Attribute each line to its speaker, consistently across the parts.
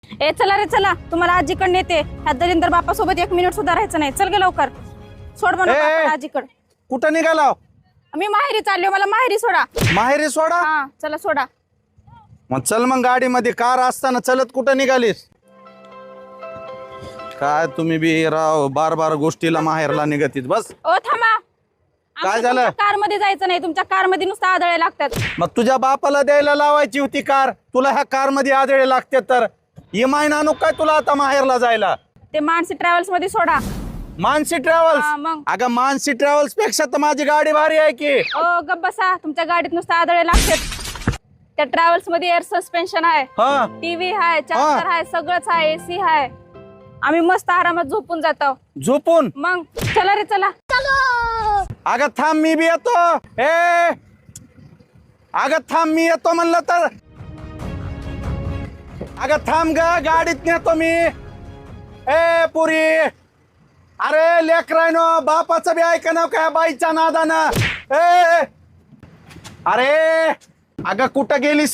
Speaker 1: ए चला रे चला, तुम्हाला आजीकडे नेते. ह्या दलिंदर बापा सोबत 1 मिनिट सुद्धा राहायचं नाही. चल गे लवकर, सोड म्हणून आजीकडे.
Speaker 2: कुठं निघाला?
Speaker 1: मी माहेरी चालले, मला माहेरी सोडा.
Speaker 2: माहेरी सोडा?
Speaker 1: हा चला सोडा.
Speaker 2: मग चल मग गाडीमध्ये. कार असताना चलत कुठं निघालीस? काय तुम्ही बी राव, बार बार गोष्टीला माहेरला निघतीत. बस
Speaker 1: ओ थांबा.
Speaker 2: काय झालं?
Speaker 1: कार मध्ये जायचं नाही, तुमच्या कार मध्ये नुसतं आदळे लागतात.
Speaker 2: मग तुझ्या बापाला द्यायला लावायची होती कार, तुला ह्या कार मध्ये आदळे लागते तर इमाईन आणू काय तुला आता माहेरला जायला?
Speaker 1: ते मानसी ट्रॅव्हल्स मध्ये सोडा.
Speaker 2: मानसी
Speaker 1: हा,
Speaker 2: ट्रॅव्हल्स?
Speaker 1: मग.
Speaker 2: अगं मानसी ट्रॅव्हल्स पेक्षा तर माझी गाडी भारी आहे की.
Speaker 1: ओ गप बसा, तुमच्या गाडीत नुसतं आदळे लागतात. त्या ट्रॅव्हल्स मध्ये एअर सस्पेन्शन आहे,
Speaker 2: हा
Speaker 1: टीव्ही आहे, चार्जर आहे, सगळंच आहे, एसी आहे. आम्ही मस्त आरामात झोपून जातो.
Speaker 2: झोपून?
Speaker 1: मग चला रे चला.
Speaker 2: अगं थांब, मी बी येतो. अगं थांब, मी येतो म्हणलं तर. अगं थांब ग, गाडीत नेतो मी. पुरी, अरे लेकरायनो, बापाचं बी ऐका ना काय बाईच्या नादानं. अरे अगं कुठं गेलीस?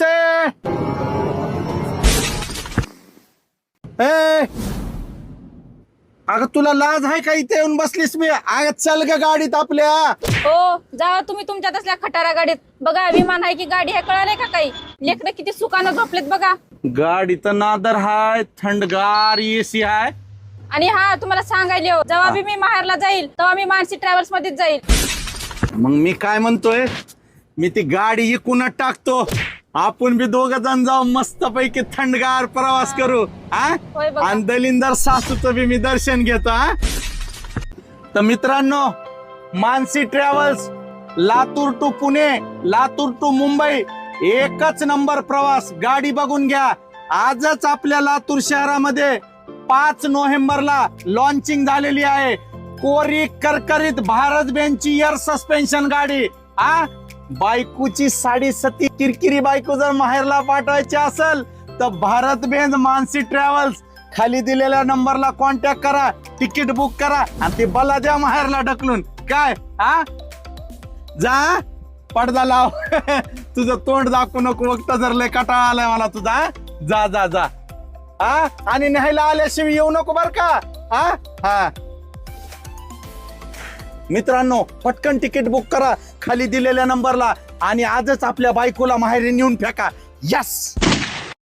Speaker 2: अगं तुला लाज आहे का इथे येऊन बसलीस? मी अगं चल ग गाडीत आपल्या.
Speaker 1: हो जा तुम्ही तुमच्या तसल्या खटारा गाडीत. बघा विमान आहे की गाडी आहे कळालंय का काही? लेकरं किती सुखानं झोपलेत बघा.
Speaker 2: गाडीत नादर हाय, थंडगार एसी हाय.
Speaker 1: आणि हा तुम्हाला सांगायले हो, जेव्हा बी मी माहेरला जाईल तेव्हा मी मानसी ट्रॅव्हल्स मध्येच जाईल.
Speaker 2: मग मी काय म्हणतोय, मी ती गाडी इकूनच टाकतो. आपण बी 2 जण जाऊ, मस्त पैकी थंडगार प्रवास करू.
Speaker 1: होय बघा.
Speaker 2: आणि दलिंदर सासूचं बी मी दर्शन घेतो. तर मित्रांनो, Mansi travels, Latur to Pune, Latur to Mumbai, एकच नंबर प्रवास. गाडी बघून घ्या. आजच आपल्या लातूर शहरामध्ये 5 नोव्हेंबरला लॉन्चिंग झालेली आहे. कोरी करकरीत भारत बेंचची एअर सस्पेन्शन गाडी. बायकोची 7.5 किरकिरी बायको जर माहेरला पाठवायची असेल तर भारत बेंच मानसी ट्रॅव्हल्स, खाली दिलेल्या नंबरला कॉन्टॅक्ट करा, तिकीट बुक करा आणि ते बला द्या माहेरला ढकलून. काय जा पडदा लाव. तुझं तोंड दाखवू नको, वक्त जर लय कटाळा आलाय मला तुझा. जा जा जा. आणि न्यायला आल्याशिवाय येऊ नको बर का. मित्रांनो, पटकन तिकीट बुक करा खाली दिलेल्या नंबरला आणि आजच आपल्या बायकोला माहेरी नेऊन फेका. यस.